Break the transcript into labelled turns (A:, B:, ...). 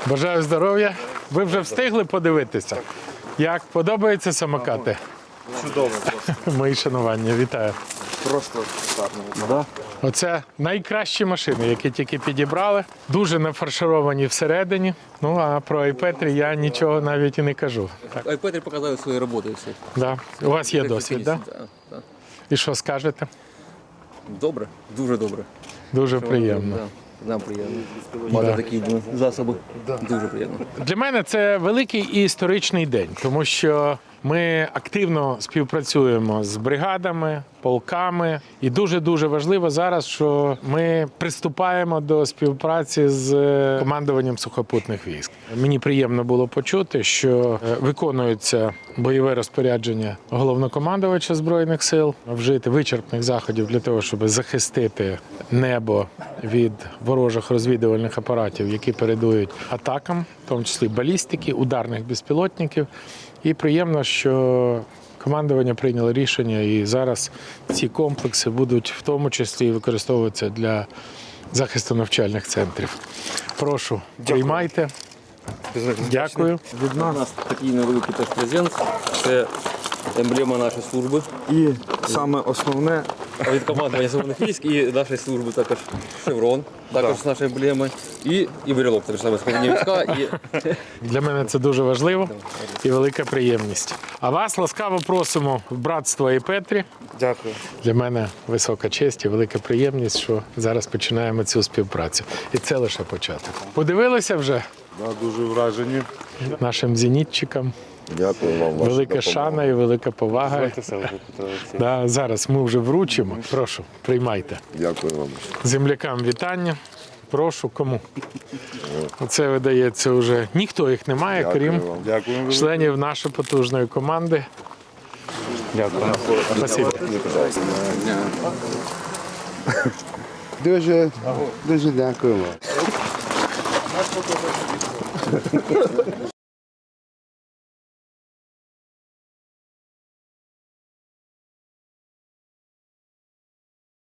A: Бажаю здоров'я. Ви вже встигли подивитися? Як подобаються самокати?
B: Чудово.
A: Мої шанування, вітаю.
B: Просто шикарно.
A: Оце найкращі машини, які тільки підібрали. Дуже нафаршировані всередині. Ну а про Айпетрі я нічого навіть і не кажу. Так.
C: Айпетрі показали свої роботи всі.
A: Да. У вас є досвід, так? Да?
C: Да.
A: І що скажете?
C: Добре, дуже добре.
A: Дуже приємно.
C: Да. Нам приємно. Мати такі засоби. Дуже приємно.
A: Для мене це великий і історичний день, тому що ми активно співпрацюємо з бригадами, полками. І дуже-дуже важливо зараз, що ми приступаємо до співпраці з командуванням сухопутних військ. Мені приємно було почути, що виконується бойове розпорядження головнокомандувача Збройних сил, вжити вичерпних заходів для того, щоб захистити небо від ворожих розвідувальних апаратів, які передують атакам, в тому числі балістики, ударних безпілотників. І приємно, що командування прийняло рішення, і зараз ці комплекси будуть в тому числі використовуватися для захисту навчальних центрів. Прошу, приймайте. Дякую.
C: Від нас такий невеликий теж презент. Це емблема нашої служби.
B: І саме основне,
C: Від командування Збройних військ і нашої служби також шеврон, також з нашої емблеми. І брелок, також саме складні війська. І...
A: Для мене це дуже важливо і велика приємність. А вас ласкаво просимо в братство Айпетрі.
B: дякую.
A: Для мене висока честь і велика приємність, що зараз починаємо цю співпрацю. І це лише початок. Подивилися вже
D: Дуже вражені.
A: нашим зенітчикам.
D: Дякую вам.
A: Велика шана і велика повага. Да, зараз ми вже вручимо. Прошу, приймайте.
D: Дякую вам.
A: Землякам вітання. Прошу, кому? Оце видається вже. Ніхто їх немає, крім
D: Дякую.
A: членів нашої потужної команди.
B: Дякую.
A: Спасибо.
D: Дуже дякуємо.